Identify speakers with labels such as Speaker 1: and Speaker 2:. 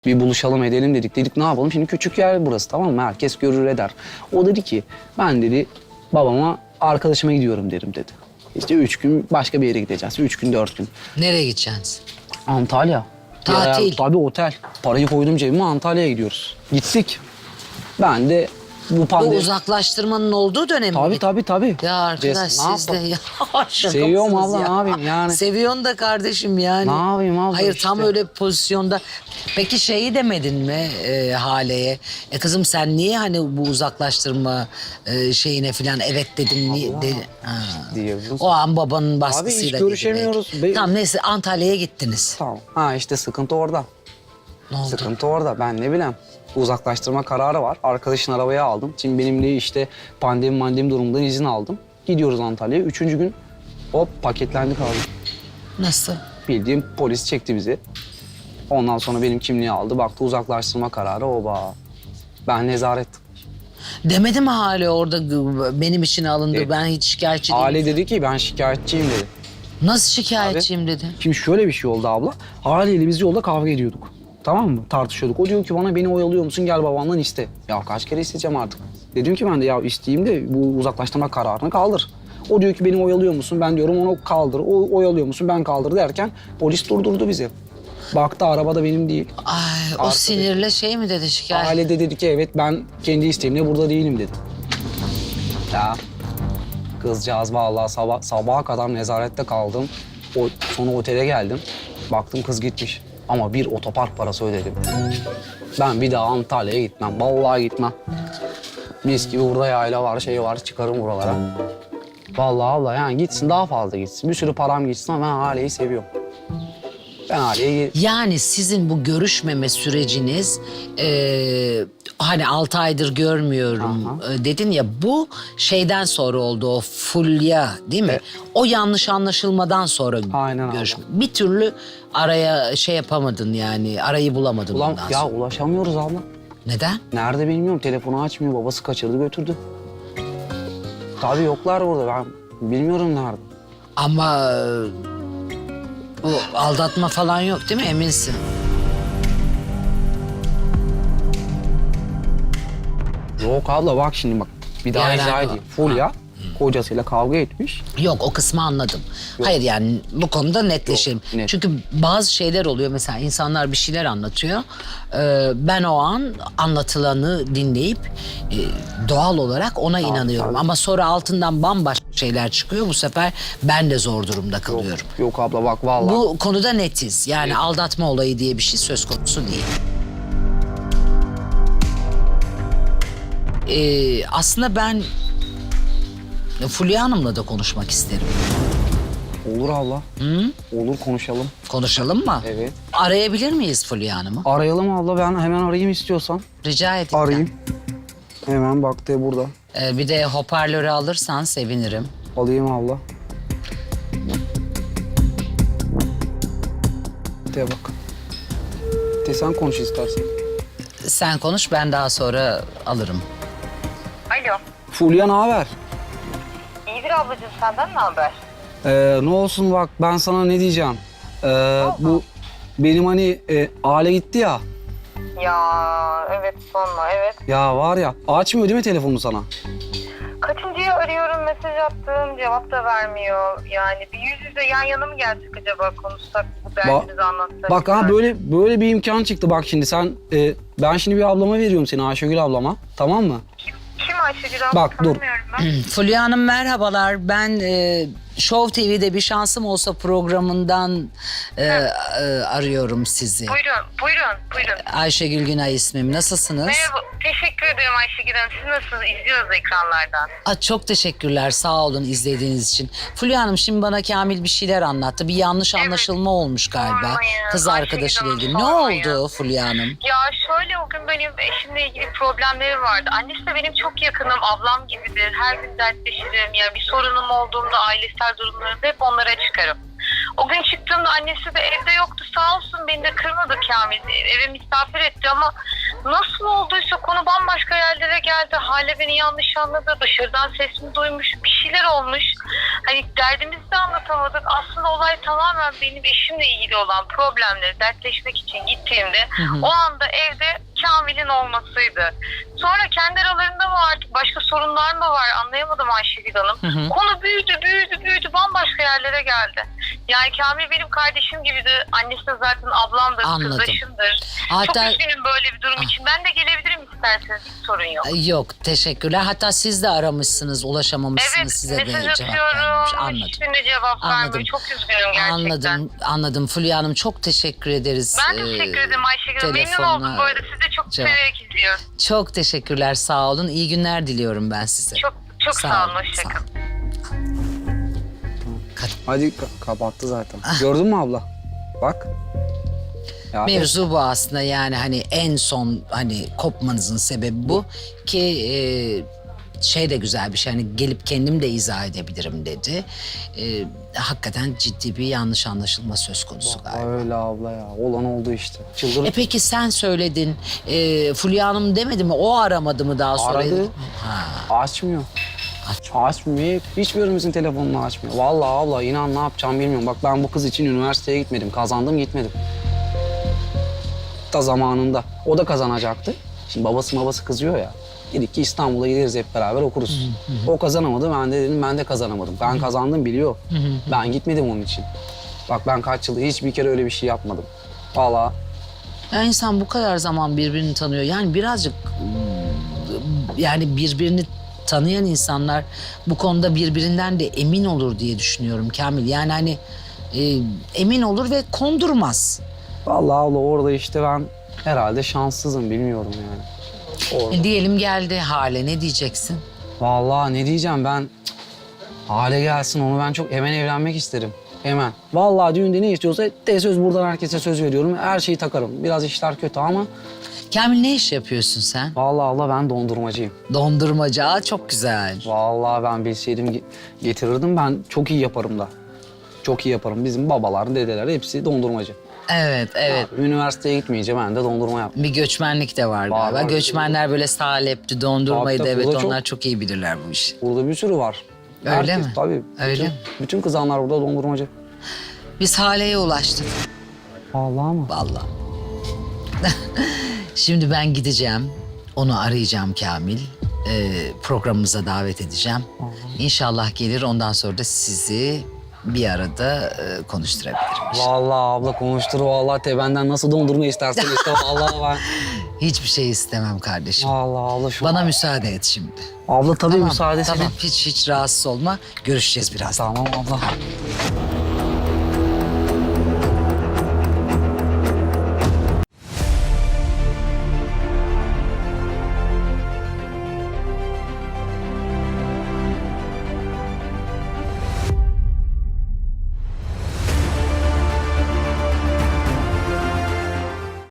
Speaker 1: Bir buluşalım edelim dedik. Dedik ne yapalım? Şimdi küçük yer burası, tamam mı? Herkes görür eder. O dedi ki ben dedi babama arkadaşıma gidiyorum derim dedi. İşte 3 gün başka bir yere gideceğiz. 3 gün 4 gün.
Speaker 2: Nereye gideceksiniz?
Speaker 1: Antalya.
Speaker 2: Tatil.
Speaker 1: Tabii otel. Parayı koydum cebime, Antalya'ya gidiyoruz. Gittik. Ben de bu
Speaker 2: Bu
Speaker 1: pandemi...
Speaker 2: uzaklaştırmanın olduğu dönem mi?
Speaker 1: Tabii.
Speaker 2: Ya arkadaş
Speaker 1: Ne
Speaker 2: siz de
Speaker 1: yapalım?
Speaker 2: ya şaka
Speaker 1: Seviyorum
Speaker 2: mısınız
Speaker 1: abla,
Speaker 2: ya?
Speaker 1: ne yapayım yani?
Speaker 2: Seviyorsun da kardeşim yani.
Speaker 1: Ne yapayım abla
Speaker 2: Hayır
Speaker 1: işte.
Speaker 2: tam öyle pozisyonda. Peki şeyi demedin mi Hale'ye? Kızım sen niye hani bu uzaklaştırma şeyine falan evet dedin? Niye,
Speaker 1: Diyebiliriz.
Speaker 2: O an babanın
Speaker 1: Abi
Speaker 2: baskısıyla.
Speaker 1: hiç
Speaker 2: dedi
Speaker 1: görüşemiyoruz.
Speaker 2: belki. Tamam neyse Antalya'ya gittiniz.
Speaker 1: Tamam. Ha işte sıkıntı orada.
Speaker 2: Ne oldu?
Speaker 1: Sıkıntı orada. Ben ne bileyim. Uzaklaştırma kararı var. Arkadaşın arabaya aldım. Şimdi benim de işte pandemi durumundan izin aldım. Gidiyoruz Antalya'ya. 3. gün hop paketlendik abi.
Speaker 2: Nasıl?
Speaker 1: Bildiğim polis çekti bizi. Ondan sonra benim kimliği aldı. Baktı uzaklaştırma kararı oba. Ben nezaret.
Speaker 2: Demedi mi Hale orada benim için alındı
Speaker 1: Evet.
Speaker 2: ben hiç şikayetçi değilim.
Speaker 1: Hale dedi ki ben şikayetçiyim dedi.
Speaker 2: Nasıl şikayetçiyim dedi.
Speaker 1: Şimdi şöyle bir şey oldu abla. Haleyle biz yolda kavga ediyorduk. Tamam mı? Tartışıyorduk. O diyor ki bana beni oyalıyor musun? Gel babandan iste. Ya kaç kere isteyeceğim artık. Dedim ki ben de ya isteyeyim de bu uzaklaştırma kararını kaldır. O diyor ki beni oyalıyor musun? Ben diyorum onu kaldır. O oyalıyor musun? Ben kaldır derken polis durdurdu bizi. Baktı araba da benim değil.
Speaker 2: Ay o
Speaker 1: Artık-
Speaker 2: sinirle şey mi dedi şikayet?
Speaker 1: Hale de dedi ki evet ben kendi isteğimle burada değilim dedi. Ya kızcağız vallahi sabaha kadar nezarette kaldım. Sonra otele geldim. Baktım kız gitmiş. Ama bir otopark parası ödedim. Ben bir daha Antalya'ya gitmem. Vallahi gitmem. Mis gibi burada yayla var, şey var. Çıkarım buralara. Vallahi abla yani gitsin daha fazla gitsin. Bir sürü param gitsin ama ben Hale'yi seviyorum. Ben Hale'yi...
Speaker 2: Yani sizin bu görüşmeme süreciniz hani 6 aydır görmüyorum dedin ya bu şeyden sonra oldu o fulya değil mi?
Speaker 1: Evet.
Speaker 2: O yanlış anlaşılmadan sonra
Speaker 1: Aynen abla.
Speaker 2: görüşme. Bir türlü araya şey yapamadın yani arayı bulamadın
Speaker 1: Ulan
Speaker 2: ondan
Speaker 1: ya
Speaker 2: sonra.
Speaker 1: ulaşamıyoruz abla.
Speaker 2: Neden?
Speaker 1: Nerede bilmiyorum. Telefonu açmıyor. Babası kaçırdı götürdü. Tabii yoklar orada. Ben bilmiyorum nerede.
Speaker 2: Ama bu aldatma falan yok değil mi eminsin?
Speaker 1: Yok abla bak şimdi bak. Bir daha
Speaker 2: Yani-
Speaker 1: izah edeyim. Fulya kocasıyla kavga etmiş.
Speaker 2: Yok o kısmı anladım.
Speaker 1: Yok.
Speaker 2: Hayır yani bu konuda netleşelim.
Speaker 1: Yok, net.
Speaker 2: Çünkü bazı şeyler oluyor mesela insanlar bir şeyler anlatıyor. Ben o an anlatılanı dinleyip doğal olarak ona inanıyorum.
Speaker 1: tabii.
Speaker 2: Ama sonra altından bambaşka şeyler çıkıyor. Bu sefer ben de zor durumda kalıyorum.
Speaker 1: Yok abla bak vallahi.
Speaker 2: Bu konuda netiz. Yani aldatma olayı diye bir şey söz konusu değil. Aslında ben Fulya Hanım'la da konuşmak isterim.
Speaker 1: Olur abla. Olur konuşalım.
Speaker 2: Konuşalım mı?
Speaker 1: Evet.
Speaker 2: Arayabilir miyiz Fulya Hanım'ı?
Speaker 1: Arayalım abla. Ben hemen arayayım istiyorsan.
Speaker 2: Rica edeyim.
Speaker 1: Arayayım. Hemen baktı burada.
Speaker 2: Bir de hoparlörü alırsan sevinirim.
Speaker 1: Alayım abla. De bak. De sen konuş istersen.
Speaker 2: Sen konuş ben daha sonra alırım.
Speaker 3: Alo.
Speaker 1: Fulya ne haber?
Speaker 3: İyidir ablacığım, senden ne haber?
Speaker 1: Ne olsun bak ben sana ne diyeceğim. Bu benim hani aile gitti ya.
Speaker 3: Ya evet, sorma, evet.
Speaker 1: Ya var ya açmıyor değil mi telefonu sana?
Speaker 3: Kaçıncıya arıyorum, mesaj attım, cevap da vermiyor. Yani bir yüz yüze yan yana mı gelsek acaba, konuşsak, bu derdimizi anlatsak?
Speaker 1: Bak ha böyle bir imkan çıktı bak şimdi sen ben şimdi bir ablama veriyorum seni Ayşegül ablama, tamam mı?
Speaker 3: Kim Ayşegül abla?
Speaker 1: Bak, dur.
Speaker 3: Tanımıyorum ben.
Speaker 2: Fulya Hanım merhabalar. Ben Show TV'de bir şansım olsa programından arıyorum sizi.
Speaker 3: Buyurun.
Speaker 2: Ayşegül Günay ismim. Nasılsınız?
Speaker 3: Merhaba, teşekkür ederim Ayşegül Hanım. Siz nasılsınız? İzliyoruz ekranlardan.
Speaker 2: Çok teşekkürler. Sağ olun izlediğiniz için. Fulya Hanım şimdi bana Kamil bir şeyler anlattı. Bir yanlış anlaşılma olmuş galiba.
Speaker 3: Sormayın.
Speaker 2: Kız
Speaker 3: Ayşegül
Speaker 2: arkadaşıyla
Speaker 3: Hanım,
Speaker 2: ilgili. Ne
Speaker 3: sormayın.
Speaker 2: oldu Fulya Hanım?
Speaker 3: Ya şöyle, o gün benim eşimle ilgili problemleri vardı. Annesi de benim çok yakınım, ablam gibidir. Her gün dertleşirim. Ya bir sorunum olduğunda ailesel durumlarımda hep onlara çıkarım. O gün çıktığımda annesi de evde yoktu. Sağ olsun beni de kırmadı Kamil. Eve misafir etti ama Nasıl olduysa konu bambaşka yerlere geldi. Hale beni yanlış anladı. Dışarıdan sesimi duymuş. Bir şeyler olmuş. Hani derdimizi de anlatamadık. Aslında olay tamamen benim eşimle ilgili olan problemleri dertleşmek için gittiğimde o anda evde Kamil'in olmasıydı. Sonra kendi aralarında mı artık başka sorunlar mı var anlayamadım Ayşegül Hanım. Konu büyüdü bambaşka yerlere geldi. Yani Kamil benim kardeşim gibiydi. Annesi de zaten ablamdır,
Speaker 2: Anladım.
Speaker 3: kızdaşımdır.
Speaker 2: Hatta-
Speaker 3: Çok üzgünüm böyle bir durum için. Ben de gelebilirim isterseniz, hiç sorun yok.
Speaker 2: Yok, teşekkürler. Hatta siz de aramışsınız, ulaşamamışsınız.
Speaker 3: Evet,
Speaker 2: Size de
Speaker 3: mesaj
Speaker 2: cevap vermiş.
Speaker 3: atıyorum.
Speaker 2: Anladım.
Speaker 3: Hiçbirine cevap
Speaker 2: Anladım.
Speaker 3: vermiyor. Çok üzgünüm gerçekten.
Speaker 2: Anladım. Fulya Hanım çok teşekkür ederiz.
Speaker 3: Ben de teşekkür ederim Ayşegül Hanım. Memnun
Speaker 2: telefonla
Speaker 3: oldum bu arada. Sizi de çok
Speaker 2: cevap-
Speaker 3: severek izliyorum.
Speaker 2: Çok teşekkürler, sağ olun. İyi günler diliyorum ben size.
Speaker 3: Çok sağ olun. Hoşçakalın.
Speaker 1: Hadi kapattı zaten. Gördün mü abla? Bak. Ya,
Speaker 2: Mevzu bu aslında, yani hani en son hani kopmanızın sebebi bu ki şey de güzel bir şey, hani gelip kendim de izah edebilirim dedi. Hakikaten ciddi bir yanlış anlaşılma söz konusu galiba.
Speaker 1: öyle abla ya. Olan oldu işte. Çıldır.
Speaker 2: Peki sen söyledin, Fulya Hanım demedi mi, o aramadı mı daha sonra?
Speaker 1: Aradı.
Speaker 2: Ha.
Speaker 1: Açmıyor. Açmıyor. Hiçbirimizin telefonunu açmıyor. Vallahi abla inan ne yapacağım bilmiyorum. Bak ben bu kız için üniversiteye gitmedim. Kazandım gitmedim. Da zamanında. O da kazanacaktı. Şimdi babası kızıyor ya. Dedik ki İstanbul'a gideriz hep beraber okuruz. O kazanamadı. Ben de dedim ben de kazanamadım. Ben kazandım biliyor. Ben gitmedim onun için. Bak ben kaç yıldır hiçbir kere öyle bir şey yapmadım. Vallahi
Speaker 2: Ya insan bu kadar zaman birbirini tanıyor. Yani birazcık yani birbirini tanıyan insanlar bu konuda birbirinden de emin olur diye düşünüyorum Kamil. Yani hani emin olur ve kondurmaz.
Speaker 1: vallahi abla orada işte ben herhalde şanssızım bilmiyorum yani. Orada.
Speaker 2: Diyelim geldi Hale, ne diyeceksin?
Speaker 1: Vallahi ne diyeceğim ben hale gelsin onu ben çok hemen evlenmek isterim. Hemen. Vallahi düğünde ne istiyorsa de söz buradan herkese söz veriyorum. Her şeyi takarım. Biraz işler kötü ama
Speaker 2: Kamil, ne iş yapıyorsun sen?
Speaker 1: vallahi abla ben dondurmacıyım.
Speaker 2: Dondurmacı. Aa, çok güzel.
Speaker 1: Vallahi ben bilseydim getirirdim. Ben çok iyi yaparım da. Çok iyi yaparım. Bizim babalar, dedeler hepsi dondurmacı.
Speaker 2: Evet.
Speaker 1: Abi, üniversiteye gitmeyince ben de dondurma yaptım.
Speaker 2: Bir göçmenlik de var
Speaker 1: Var,
Speaker 2: galiba.
Speaker 1: var.
Speaker 2: Göçmenler böyle salepti, dondurmayı da,
Speaker 1: Tabii,
Speaker 2: evet,
Speaker 1: burada çok-
Speaker 2: onlar çok iyi bilirler bu işi.
Speaker 1: Burada bir sürü var.
Speaker 2: Öyle mi?
Speaker 1: Tabii.
Speaker 2: Öyle mi?
Speaker 1: Bütün kızanlar burada dondurmacı.
Speaker 2: Biz Hale'ye ulaştık.
Speaker 1: Vallahi mı?
Speaker 2: Vallahi. Şimdi ben gideceğim. Onu arayacağım Kamil. Programımıza davet edeceğim. İnşallah gelir. Ondan sonra da sizi bir arada konuşturabilirim.
Speaker 1: Vallahi abla konuştur vallahi benden nasıl dondurma istersen işte vallahi ben.
Speaker 2: Hiçbir şey istemem kardeşim.
Speaker 1: Vallahi abla şu
Speaker 2: Bana müsaade et şimdi.
Speaker 1: abla tabii
Speaker 2: Tamam,
Speaker 1: müsaade
Speaker 2: tamam. Hiç rahatsız olma. Görüşeceğiz birazdan.
Speaker 1: Tamam abla.